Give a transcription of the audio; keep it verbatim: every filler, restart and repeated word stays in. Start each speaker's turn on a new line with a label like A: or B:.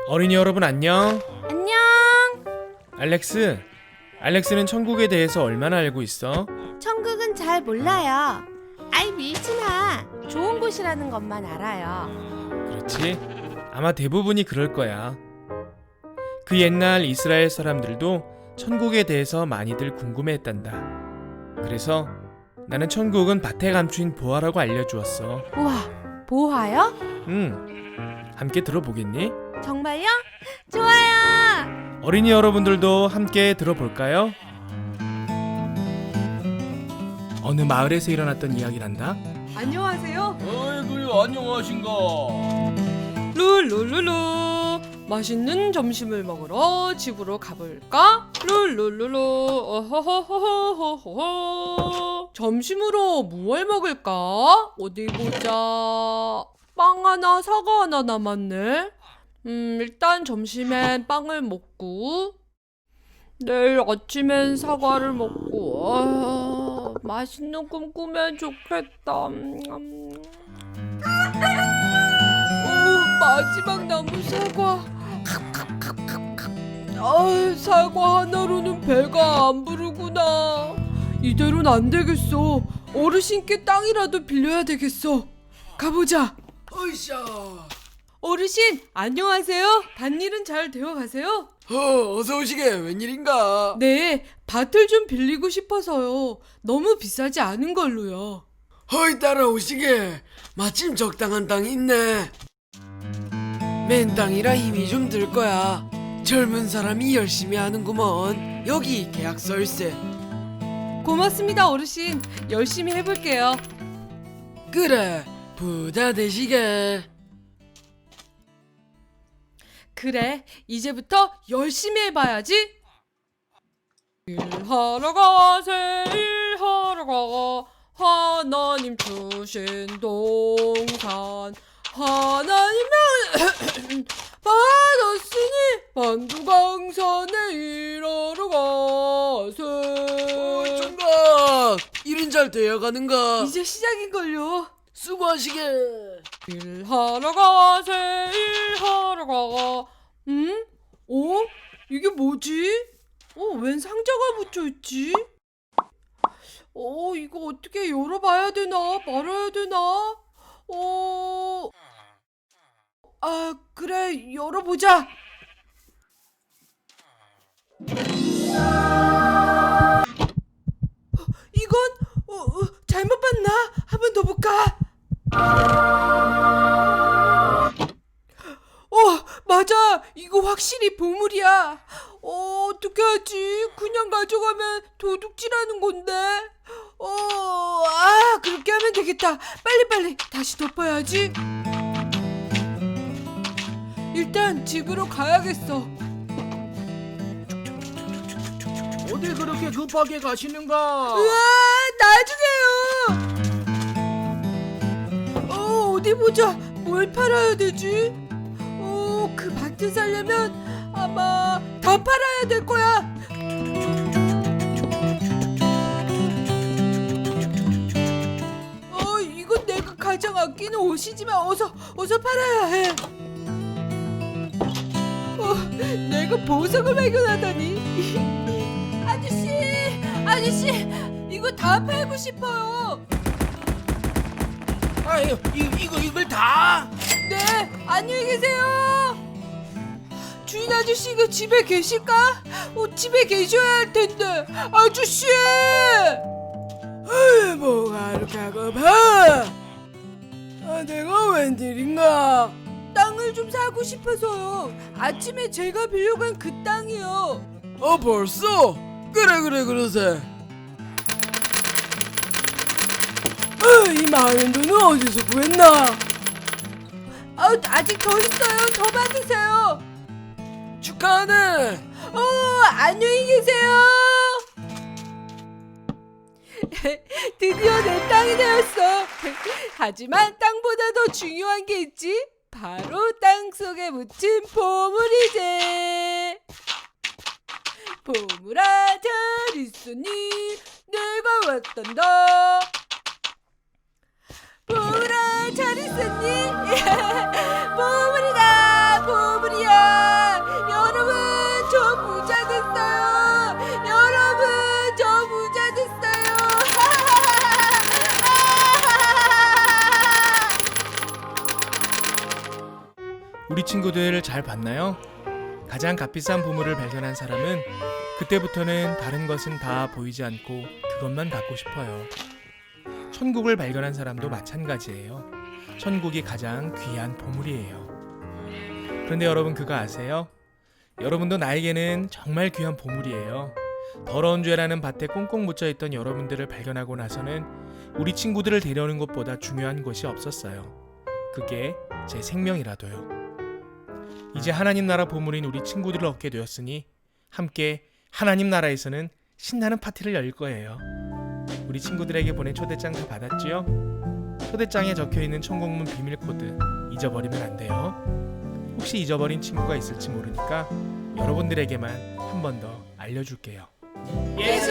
A: 어린이 여러분 안녕.
B: 안녕.
A: 알렉스, 알렉스는 천국에 대해서 얼마나 알고 있어?
B: 천국은 잘 몰라요. 아이 밀진아, 좋은 곳이라는 것만 알아요.
A: 그렇지? 아마 대부분이 그럴 거야. 그 옛날 이스라엘 사람들도 천국에 대해서 많이들 궁금해했단다. 그래서 나는 천국은 밭에 감춘 보화라고 알려주었어.
B: 우와, 보화요?
A: 응, 함께 들어보겠니?
B: 정말요? 좋아요.
A: 어린이 여러분들도 함께 들어볼까요? 어느 마을에서 일어났던 이야기란다.
C: 안녕하세요.
D: 아이고 안녕하신가.
C: 룰루루루. 맛있는 점심을 먹으러 집으로 가볼까? 룰루루루. 어허허허허허허. 점심으로 무얼 먹을까? 어디 보자. 빵 하나, 사과 하나 남았네. 음, 일단 점심엔 빵을 먹고 내일 아침엔 사과를 먹고 아, 맛있는 꿈 꾸면 좋겠다. 음. 오, 마지막 남은 사과. 아, 사과 하나로는 배가 안 부르구나. 이대로는 안 되겠어. 어르신께 땅이라도 빌려야 되겠어. 가보자.
D: 으쌰.
C: 어르신, 안녕하세요. 밭일은 잘 되어 가세요?
D: 어, 어서 오시게. 웬일인가?
C: 네, 밭을 좀 빌리고 싶어서요. 너무 비싸지 않은 걸로요.
D: 허이 따라오시게. 마침 적당한 땅이 있네. 맨 땅이라 힘이 좀 들 거야. 젊은 사람이 열심히 하는구먼. 여기 계약서일세.
C: 고맙습니다, 어르신. 열심히 해볼게요.
D: 그래, 부자 되시게.
C: 그래, 이제부터 열심히 해봐야지. 일하러 가세, 일하러 가. 하나님 주신 동산. 하나님은 받았으니 만두강산에 일하러 가세.
D: 어, 총각. 일은 잘 되어가는가?
C: 이제 시작인걸요.
D: 수고하시게.
C: 일하러 가세, 일하러 가. 응? 어? 이게 뭐지? 어, 웬 상자가 붙여있지? 어, 이거 어떻게 열어봐야 되나? 말아야 되나? 어... 아, 그래, 열어보자. 이건 어, 어, 잘못 봤나? 한 번 더 볼까? 어, 맞아. 이거 확실히 보물이야. 어, 어떻게 하지? 그냥 가져가면 도둑질하는 건데. 어, 아, 그렇게 하면 되겠다. 빨리빨리 다시 덮어야지. 일단 집으로 가야겠어.
D: 어디 그렇게 급하게 가시는가?
C: 우와, 나중에요. 어, 어디 보자. 뭘 팔아야 되지? 어, 그 밭을 살려면 아마 다 팔아야 될 거야. 어, 이건 내가 가장 아끼는 옷이지만 어서 어서 팔아야 해. 어, 내가 보석을 발견하다니. 아저씨, 아저씨, 이거 다 팔고 싶어요.
D: 아유, 이, 이거 이걸 다?
C: 네, 안녕히 계세요. 주인 아저씨, 이거 집에 계실까? 어, 집에 계셔야 할 텐데. 아저씨!
D: 에이, 뭐가 이렇게 하고 봐? 아, 내가 웬일인가?
C: 땅을 좀 사고 싶어서요. 아침에 제가 빌려간 그 땅이요.
D: 어, 벌써? 그래, 그래, 그러세. 아, 이 많은 돈은 어디서 구했나?
C: 아, 아직 더 있어요. 더 받으세요.
D: 축하하네.
C: 어, 안녕히 계세요. 드디어 내 땅이 되었어. 하지만 땅보다 더 중요한 게 있지. 바로 땅속에 묻힌 보물이지. 보물아 잘 있으니 내가 왔단다. 보물아 잘 있었니? 보물이다, 보물이야.
A: 우리 친구들 잘 봤나요? 가장 값비싼 보물을 발견한 사람은 그때부터는 다른 것은 다 보이지 않고 그것만 갖고 싶어요. 천국을 발견한 사람도 마찬가지예요. 천국이 가장 귀한 보물이에요. 그런데 여러분 그거 아세요? 여러분도 나에게는 정말 귀한 보물이에요. 더러운 죄라는 밭에 꽁꽁 묻혀있던 여러분들을 발견하고 나서는 우리 친구들을 데려오는 것보다 중요한 것이 없었어요. 그게 제 생명이라도요. 이제 하나님 나라 보물인 우리 친구들을 얻게 되었으니 함께 하나님 나라에서는 신나는 파티를 열 거예요. 우리 친구들에게 보낸 초대장 다 받았지요? 초대장에 적혀있는 천국문 비밀 코드 잊어버리면 안 돼요. 혹시 잊어버린 친구가 있을지 모르니까 여러분들에게만 한 번 더 알려줄게요.
C: 예수